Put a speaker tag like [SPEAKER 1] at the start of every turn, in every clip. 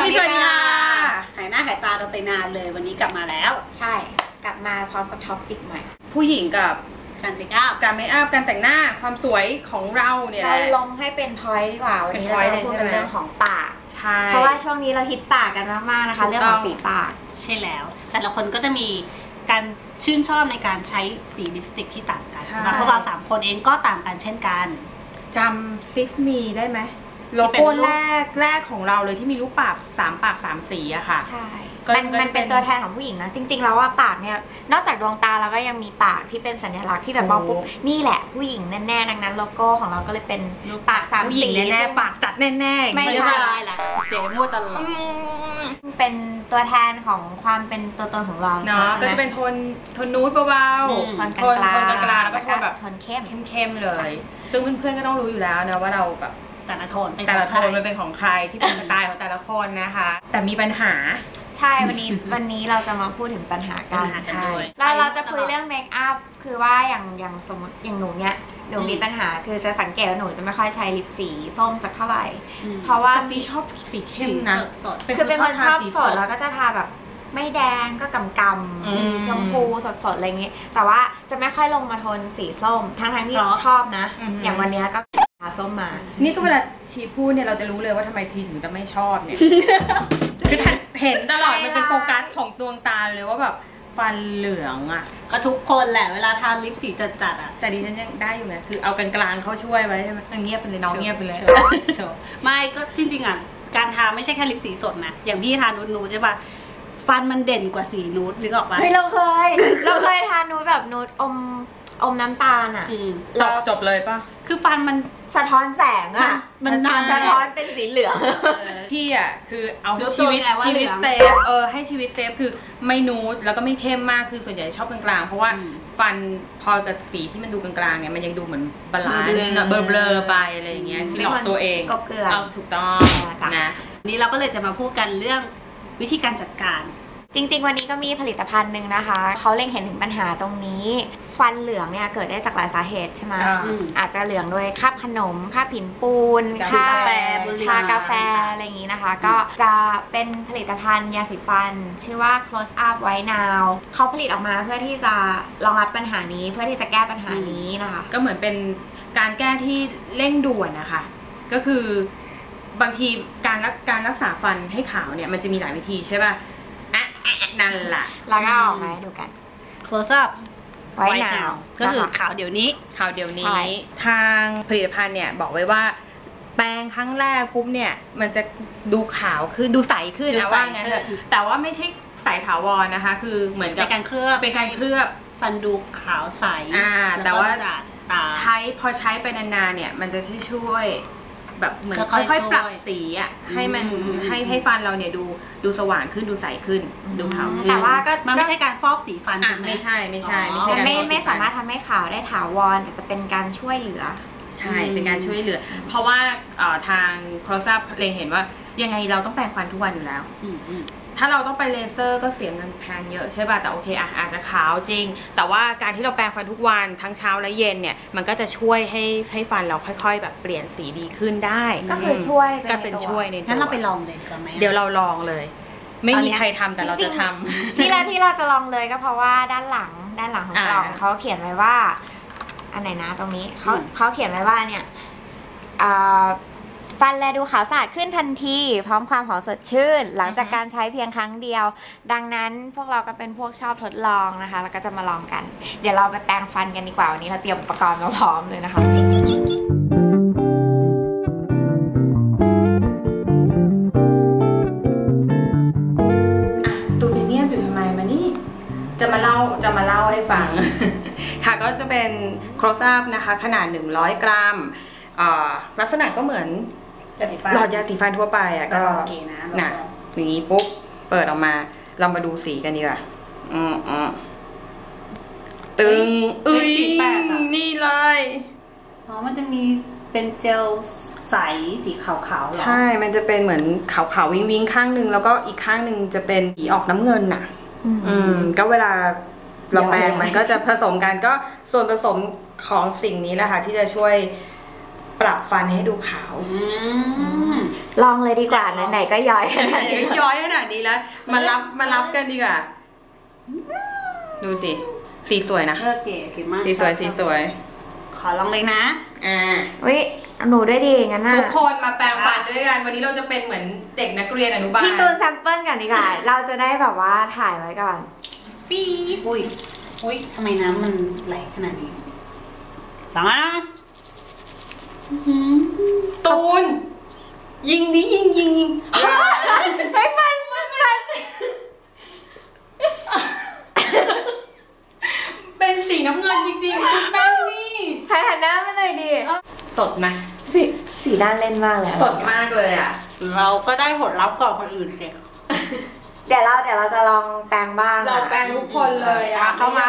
[SPEAKER 1] สวัสดีค่ะหายหน้าหายตากันไปนานเลยวันนี้กลับมาแล้ว
[SPEAKER 2] ใช่กลับมาพร้อมกับท็อปปิกใหม่
[SPEAKER 3] ผู้หญิงกับ
[SPEAKER 1] การเมคอัพ
[SPEAKER 3] การแต่งหน้าความสวยของเราเนี่ย
[SPEAKER 2] เราลงให้เป็นพอยต์ดีกว่าวันนี้เราจะพูดกันเรื่องของปากเพราะว่าช่วงนี้เราฮิตปากกันมากๆนะคะเรื่องของสีปาก
[SPEAKER 1] ใช่แล้วแต่ละคนก็จะมีการชื่นชอบในการใช้สีลิปสติกที่ต่างกันสำหรับพวกเรา3คนเองก็ต่างกันเช่นกัน
[SPEAKER 3] จำซิฟมีได้ไหมโลโก้แรกของเราเลยที่มีรูปปาก3 สีอะค่ะ
[SPEAKER 2] ใช่มันเป็นตัวแทนของผู้หญิงนะจริงๆแล้วว่าปากเนี่ยนอกจากดวงตาแล้วก็ยังมีปากที่เป็นสัญลักษณ์ที่แบบมองปุ๊บนี่แหละผู้หญิงแน่ๆดังนั้นโลโก้ของเราก็เลยเป็นปาก3 สี
[SPEAKER 3] แน่ๆปากจัดแน่ๆ
[SPEAKER 1] ไม่ใช่ละเจ๊มั่วตลอด
[SPEAKER 2] เป็นตัวแทนของความเป็นตัวตนของเรา
[SPEAKER 3] เนาะก็จะเป็นโทนนูดเบาๆโทนกลางแล้วก็โทนแบบ
[SPEAKER 2] โทนเข้
[SPEAKER 3] มเลยซึ่งเพื่อนๆก็ต้องรู้อยู่แล้วนะว่าเราแบบ
[SPEAKER 1] แต่ละโทน
[SPEAKER 3] มันเป็นของใครที่เป็นสไตล์ของแต่ละคนนะคะแต่มีปัญหา
[SPEAKER 2] ใช่วันนี้เราจะมาพูดถึงปัญหากัน
[SPEAKER 3] ใช่
[SPEAKER 2] เราจะคุยเรื่องเมคอัพคือว่าอย่างสมมติอย่างหนูเนี่ยหนูมีปัญหาคือจะสังเกตว่าหนูจะไม่ค่อยใช้ลิปสีส้มสักเท่าไหร่เพราะว่า
[SPEAKER 3] ฟีชอบสีเข้มนะ
[SPEAKER 2] คือเป็นคนชอบสดแล้วก็จะทาแบบไม่แดงก็กำชมพูสดๆอะไรเงี้ยแต่ว่าจะไม่ค่อยลงมาโทนสีส้มทั้งที่ชอบนะอย่างวันนี้ก็ทาส้มมา
[SPEAKER 3] นี่ก็เวลาชีพูดเนี่ยเราจะรู้เลยว่าทำไมทีถึงจะไม่ชอบเนี่ยคือเห็นตลอดมันเป็นโฟกัสของดวงตาเลยว่าแบบฟันเหลืองอ่ะ
[SPEAKER 1] ก็ทุกคนแหละเวลาทาลิปสีจัดๆอ่ะ
[SPEAKER 3] แต่ดิฉันยังได้อยู่นะคือเอากลางๆเขาช่วยไว้ใช่ไหมเงียบไปเลยน้องเงียบไปเลย
[SPEAKER 1] ไม่ก็จริงๆอ่ะการทาไม่ใช่แค่ลิปสีสดนะอย่างพี่ทานูดใช่ป่ะฟันมันเด่นกว่าสีนูดนึกออกปะ
[SPEAKER 2] เฮ้ยเราเคยทานูดแบบนูดอมน้ำตาลอ่ะ
[SPEAKER 3] จบเลยป่ะ
[SPEAKER 1] คือฟันมัน
[SPEAKER 2] สะท้อนแสงอ่ะมันสะท้อนเป็นสีเหลือง
[SPEAKER 3] พี่อ่ะคือเอาชีวิตเซฟให้ชีวิตเซฟคือไม่นูดแล้วก็ไม่เข้มมากคือส่วนใหญ่ชอบกลางๆเพราะว่าฟันพอกับสีที่มันดูกลางๆเนี่ยมันยังดูเหมือนบาลานซ์เบลอไปอะไรอย่างเงี้ยคือหลอกตัวเองเอาถูกต้องนะ
[SPEAKER 1] นี้เราก็เลยจะมาพูดกันเรื่องวิธีการจัดการ
[SPEAKER 2] จริงๆวันนี้ก็มีผลิตภัณฑ์หนึ่งนะคะเขาเล็งเห็นถึงปัญหาตรงนี้ฟันเหลืองเนี่ยเกิดได้จากหลายสาเหตุใช่ไหมอาจจะเหลืองโดยคราบขนมคราบหินปูนคราบชากาแฟอะไรอย่างนี้นะคะก็จะเป็นผลิตภัณฑ์ยาสีฟันชื่อว่า Close Up White Now เขาผลิตออกมาเพื่อที่จะรองรับปัญหานี้เพื่อที่จะแก้ปัญหานี้นะคะ
[SPEAKER 3] ก็เหมือนเป็นการแก้ที่เร่งด่วนนะคะก็คือบางทีการรักษาฟันให้ขาวเนี่ยมันจะมีหลายวิธีใช่ป่ะนั่นแหละ
[SPEAKER 2] เราก็เอามาให้ดูกัน
[SPEAKER 1] Close Up White Now ก็คือขาวเดี๋ยวนี้
[SPEAKER 3] ทางผลิตภัณฑ์เนี่ยบอกไว้ว่าแปรงครั้งแรกปุ๊บเนี่ยมันจะดูขาวขึ้นดูใสขึ้นนะว่างั้นแต่ว่าไม่ใช่ใสถาวรนะคะคือเหมือนกับ
[SPEAKER 1] เป็นการเคลือบฟันดูขาวใส
[SPEAKER 3] แต่ว่าพอใช้ไปนานๆเนี่ยมันจะช่วยแบบเหมือนค่อยๆปรับสีอ่ะให้มันให้ฟันเราเนี่ยดูสว่างขึ้นดูใสขึ้นดูขาวขึ้น
[SPEAKER 2] แต่ว่าก็
[SPEAKER 1] มันไม่ใช่การฟอกสีฟัน
[SPEAKER 3] ไม่ใช่
[SPEAKER 2] ไม่สามารถทำให้ขาวได้ถาวรแต่จะเป็นการช่วยเหลือ
[SPEAKER 3] ใช่เป็นการช่วยเหลือเพราะว่าทางโคลซับเล็งเห็นว่ายังไงเราต้องแปรงฟันทุกวันอยู่แล้วถ้าเราต้องไปเลเซอร์ก็เสียเงินแพงเยอะใช่ป่ะแต่โอเคอาจจะขาวจริงแต่ว่าการที่เราแปรงฟันทุกวันทั้งเช้าและเย็นเนี่ยมันก็จะช่วยให้ฟันเราค่อยๆแบบเปลี่ยนสีดีขึ้นได้
[SPEAKER 2] ก็คือช่วย
[SPEAKER 3] เป็นช่วยในตัว
[SPEAKER 1] งั้นเราไปลองเลยดีกว่าไหม
[SPEAKER 3] เดี๋ยวเราลองเลยไม่มีใครทำแต่เราจะท
[SPEAKER 2] ำที่เราจะลองเลยก็เพราะว่าด้านหลังของกล่องเขาเขียนไว้ว่าอันไหนนะตรงนี้เขาเขียนไว้ว่าเนี่ยฟันแลดูขาวสะอาดขึ้นทันทีพร้อมความหอมสดชื่นหลังจากการใช้เพียงครั้งเดียวดังนั้นพวกเราก็เป็นพวกชอบทดลองนะคะแล้วก็จะมาลองกันเดี๋ยวเราไปแปรงฟันกันดีกว่าวันนี้เราเตรียมอุปกรณ์มาพร้อมเลยนะคะ
[SPEAKER 3] ตูเป็นเงียบอยู่ทำไมมานี่จะมาเล่าให้ฟังค่ะก็จะเป็นโครซับนะคะขนาด100 กรัมลักษณะก็เหมือนหลอดยาสีฟันทั่วไปอ่ะก็นะอย่างนี้ปุ๊บเปิดออกมาเรามาดูสีกันดีกว่าตึงนี่เลย
[SPEAKER 1] มันจะมีเป็นเจลใสสีขาวๆหรอ
[SPEAKER 3] ใช่มันจะเป็นเหมือนขาวๆวิงข้างนึงแล้วก็อีกข้างนึงจะเป็นสีออกน้ำเงินน่ะก็เวลาเราแปรงมันก็จะผสมกันก็ส่วนผสมของสิ่งนี้แหละค่ะที่จะช่วยปรับฟันให้ดูขาว
[SPEAKER 2] ลองเลยดีกว่าไหนๆก็ย้อยขนาด
[SPEAKER 3] นี้แล้วมารับกันดีกว่าดูสิสีสวยนะ
[SPEAKER 1] เก๋มาก
[SPEAKER 3] สีสวย
[SPEAKER 1] ขอลองเลยนะ
[SPEAKER 2] วิหนูด้วยดิงั้น
[SPEAKER 3] ทุกคนมาแปรงฟันด้วยกันวันนี้เราจะเป็นเหมือนเด็กนักเรียนอนุบาล
[SPEAKER 2] พี่ตูนแซมเปิลกันดีกว่าเราจะได้แบบว่าถ่ายไว้ก่อน
[SPEAKER 1] ปี๊บอุ้ยทำไมน้ำมันไหลขนาดนี้หลังนะ
[SPEAKER 3] ตูนยิง
[SPEAKER 2] ไม่ฟัน
[SPEAKER 3] เป็นสีน้ำเงินจริงๆคุณแป้งนี่
[SPEAKER 2] ถ่ายหันหน้ามาเลยดิ
[SPEAKER 3] สดไหม
[SPEAKER 2] สีด้านเล่นมากเลย
[SPEAKER 3] สดมากเลยอ่ะ
[SPEAKER 1] เราก็ได้ผลลัพธ์ก่อนคนอื่นสิ
[SPEAKER 2] เดี๋ยวเราจะลองแปรงบ้าง
[SPEAKER 3] เราแปรงทุกคนเลยอ่ะ
[SPEAKER 2] เข้ามา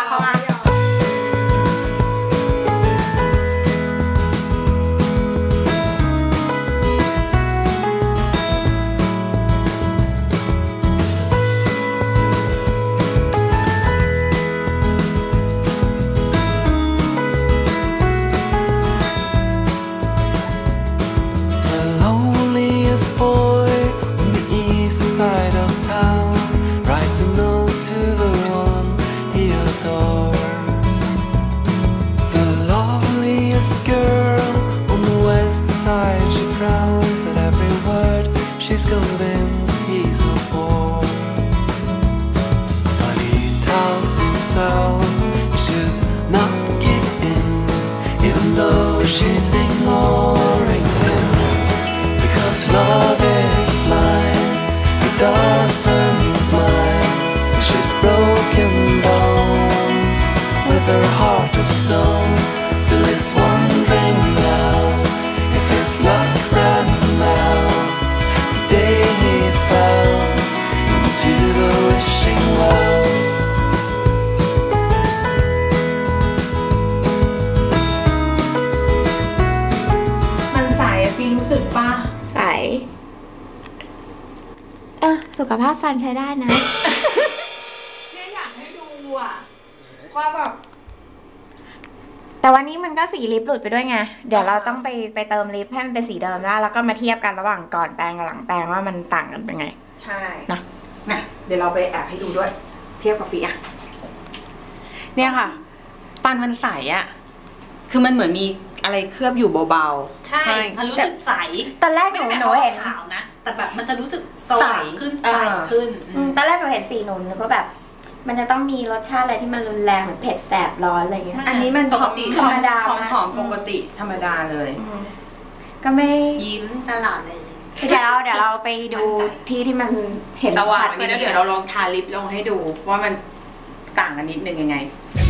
[SPEAKER 2] สุขภาพฟันใช้ได้นะ
[SPEAKER 3] เนี่ยอยากให้ดูอ่ะว่าแบบ
[SPEAKER 2] แต่วันนี้มันก็สีลิปหลุดไปด้วยไงเดี๋ยวเราต้องไปเติมลิปให้มันเป็นสีเดิมแล้วก็มาเทียบกันระหว่างก่อนแปรงกับหลังแปรงว่ามันต่างกันเป็นไง
[SPEAKER 3] ใช่นะเดี๋ยวเราไปแอบให้ดูด้วยเทียบกับฟีอ่ะเนี่ยค่ะฟันมันใสอ่ะคือมันเหมือนมีอะไรเคลือบอยู่เบา
[SPEAKER 1] ๆใช่มันรู้สึกใส
[SPEAKER 2] ตอนแรกหนูเห็น
[SPEAKER 1] ขาวนะแต่แบบมันจะรู้สึกใสขึ้น
[SPEAKER 2] ตอนแรกหนูเห็นสีหนูก็แบบมันจะต้องมีรสชาติอะไรที่มันรุนแรงเหมือนเผ็ดแสบร้อนอะไรเงี้ย
[SPEAKER 3] อันนี้มัน
[SPEAKER 2] ปกติธรรมดา
[SPEAKER 3] หอมปกติธรรมดาเลย
[SPEAKER 2] ก็ไม่
[SPEAKER 1] ยิ้มตลอดเลย
[SPEAKER 2] เดี๋ยวเราไปดูที่มันเห็นชัด
[SPEAKER 3] กว่านี้แล้วเดี๋ยวเราลองทาลิปลงให้ดูว่ามันต่างกันนิดนึงยังไง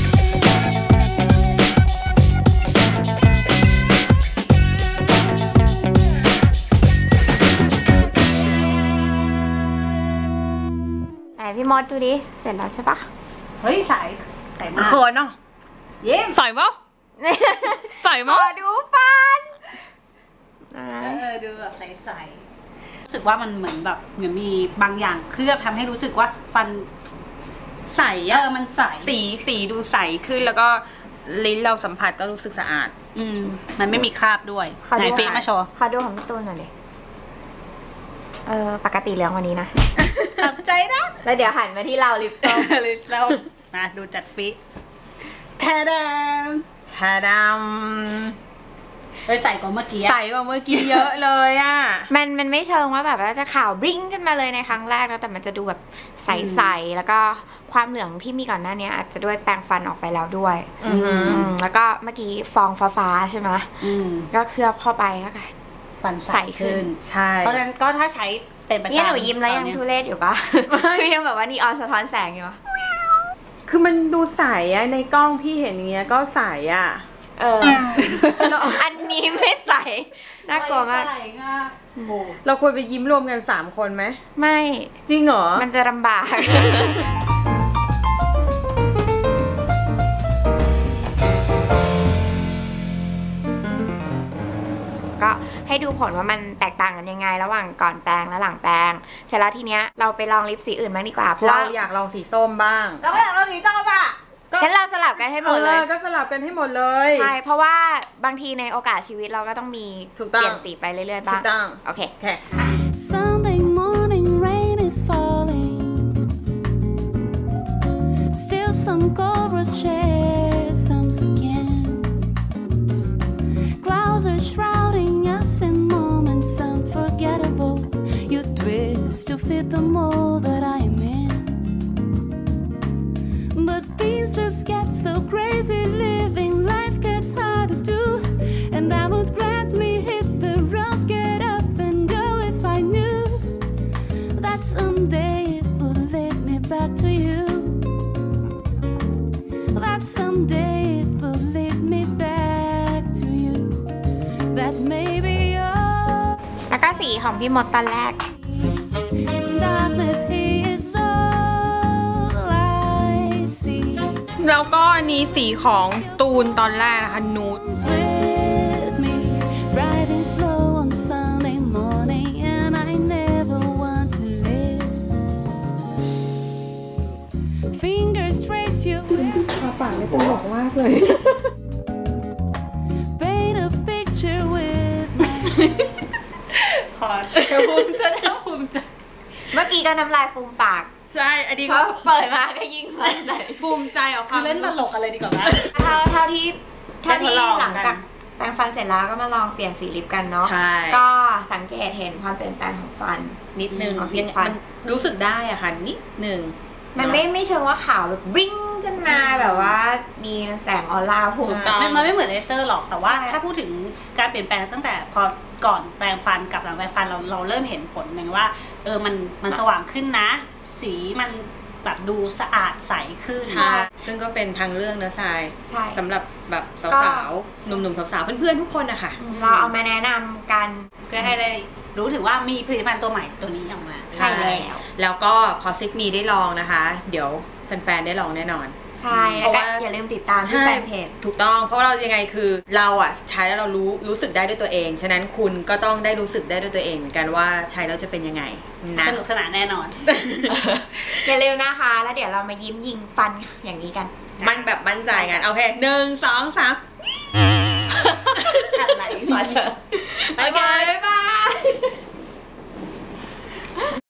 [SPEAKER 2] พี่มอสดูดิเสร็จแล้วใช่ปะ
[SPEAKER 1] เฮ้ยใสมาก
[SPEAKER 3] เขินเนาะ
[SPEAKER 1] เย้
[SPEAKER 3] ใสมั้ยใสมั้ย
[SPEAKER 2] ดูฟัน
[SPEAKER 1] ดูแบบใสรู้สึกว่ามันเหมือนแบบเหมือนมีบางอย่างเคลือบทำให้รู้สึกว่าฟันใสมันใส
[SPEAKER 3] สีดูใสขึ้นแล้วก็ลิ้นเราสัมผัสก็รู้สึกสะอาด
[SPEAKER 1] มันไม่มีคราบด้วยไหนฟีมาโชว์
[SPEAKER 2] ขอดูของพี่ตูนหน่อยดิปกติเหลืองวันนี้นะ
[SPEAKER 1] ขอบใจนะ
[SPEAKER 2] แล้วเดี๋ยวหันมาที่เราลิปส้
[SPEAKER 1] มมาดูจัดฟิแทดามใส่กว่าเมื่อกี้
[SPEAKER 3] เยอะเลยอ่ะ
[SPEAKER 2] มันไม่เชิงว่าแบบว่าจะขาวบลิ้งขึ้นมาเลยในครั้งแรกแล้วแต่มันจะดูแบบใสๆแล้วก็ความเหลืองที่มีก่อนหน้านี้อาจจะด้วยแปรงฟันออกไปแล้วด้วยแล้วก็เมื่อกี้ฟองฟ้าใช่ไหมก็เคลือบเข้าไปก็ค่ะ
[SPEAKER 1] ฟันใสขึ้น
[SPEAKER 3] ใช่
[SPEAKER 1] เพราะฉะนั้นก็ถ้าใช้เป็นประจำ
[SPEAKER 2] นี่หนูยิ้มแล้วยังทุเรศอยู่ปะคือยังแบบว่านีออนสะท้อนแสงอยู่
[SPEAKER 3] คือมันดูใสอะในกล้องพี่เห็นอย่างเงี้ยก็ใสอะ
[SPEAKER 2] อันนี้ไม่ใสน่ากลัวมาก
[SPEAKER 3] เราควรไปยิ้มรวมกัน3 คนไหม
[SPEAKER 2] ไม่
[SPEAKER 3] จริงเหรอ
[SPEAKER 2] มันจะลำบากก็ให้ดูผลว่ามันแตกต่างกันยังไงระหว่างก่อนแปรงและหลังแปรงเสร็จแล้วทีเนี้ยเราไปลองลิปสีอื่นบ้างดีกว่าเพราะ
[SPEAKER 3] เราอยากลองสีส้มบ้าง
[SPEAKER 1] เราอยากลองสีส้มอ่ะ
[SPEAKER 2] งั้นเราสลับกันให้หมดเลย
[SPEAKER 3] ก็สลับกันให้หมดเลย
[SPEAKER 2] ใช่เพราะว่าบางทีในโอกาสชีวิตเราก็ต้องมีเปลี่ยนสีไปเรื่อยๆบ้างโอเค
[SPEAKER 4] Sunday morning rain is falling Still some cobras share some skin Clouds are shrouding us in moments unforgettable You twist to fit the mold that I'm in But things just get so crazy living life gets hard to do And I would gladly hit the road get up and go if I knew That someday it would lead me back to you That someday it would lead me back to you That maybe you're
[SPEAKER 2] แล้วก็สีของพี่มดตอนแรก
[SPEAKER 4] In darkness he is all I see
[SPEAKER 3] แล้วก็อันนี้สีของตูนตอนแรกนะคะนูด
[SPEAKER 4] With me driving slow on Sunday morning and I never want to live Fingers trace you
[SPEAKER 3] ปากเลยตลกมากเลย
[SPEAKER 4] Paint a picture with my
[SPEAKER 1] ขอภูมิใจ
[SPEAKER 2] เมื่อกี้ก็น้ำลายฟูมปาก
[SPEAKER 3] ใช่อันนี้
[SPEAKER 2] ก็เปิดมาก็ยิ่งมั่นใจ
[SPEAKER 3] ภูมิใจเอาค
[SPEAKER 1] คื
[SPEAKER 3] วา
[SPEAKER 1] อ
[SPEAKER 3] ม
[SPEAKER 1] เล่นตลกอะไรดีกว่าไหม
[SPEAKER 2] เท่าที่
[SPEAKER 1] ได้ทดลองกัน
[SPEAKER 2] หลังจากแปรงฟันเสร็จแล้วก็มาลองเปลี่ยนสีลิปกันเนาะ
[SPEAKER 3] ใช่
[SPEAKER 2] ก็สังเกตเห็นความเปลี่ยนแปลงของฟัน
[SPEAKER 3] นิดนึง
[SPEAKER 2] ของ
[SPEAKER 3] ยัง
[SPEAKER 2] ฟัน
[SPEAKER 3] มันรู้สึกได้อะค่ะนิดนึง
[SPEAKER 2] มันไม่เชิงว่าขาวแบบบลิ้งขึ้นมาแบบว่ามีแสงออร่าพุ่ง
[SPEAKER 3] ถูกต้อง
[SPEAKER 1] มันไม่เหมือนเลเซอร์หรอกแต่ว่า
[SPEAKER 2] ใช่
[SPEAKER 1] ถ้าพูดถึงการเปลี่ยนแปลงตั้งแต่พอก่อนแปรงฟันกับหลังแปรงฟันเราเริ่มเห็นผลเหมือนว่ามันสว่างขึ้นนะ สีมันแบบดูสะอาดใสขึ้น
[SPEAKER 3] ใช่ซึ่งก็เป็นทางเลือกนะทราย
[SPEAKER 2] ใช่
[SPEAKER 3] สำหรับแบบสาวๆหนุ่มๆสาวๆเพื่อนๆทุกคนนะคะ
[SPEAKER 2] เราเอามาแนะนำกัน
[SPEAKER 1] เพื่อให้ได้รู้ถึงว่ามีผลิตภัณฑ์ตัวใหม่ตัวนี้ออกมา
[SPEAKER 2] ใช่แล้ว
[SPEAKER 3] แล้วก็พอซิกมีได้ลองนะคะ เดี๋ยวแฟนๆได้ลองแน่นอน
[SPEAKER 2] ใช่แล้วก็อย่าลืมติดตามที่แฟนเพจ
[SPEAKER 3] ถูกต้องเพราะเรายังไงคือเราอ่ะใช้แล้วเรารู้สึกได้ด้วยตัวเองฉะนั้นคุณก็ต้องได้รู้สึกได้ด้วยตัวเองเหมือนกันว่าใช้แล้วจะเป็นยังไงนะ
[SPEAKER 1] สนุกสนานแน่นอน
[SPEAKER 2] อย่าลืมนะคะ แล้วเดี๋ยวเรามายิ้มยิงฟันอย่างนี้กัน
[SPEAKER 3] มันแบบมั่นใจกันโอเค1 2 3
[SPEAKER 1] อะไร
[SPEAKER 2] พอเถอะ
[SPEAKER 3] โอเคบ๊ายบาย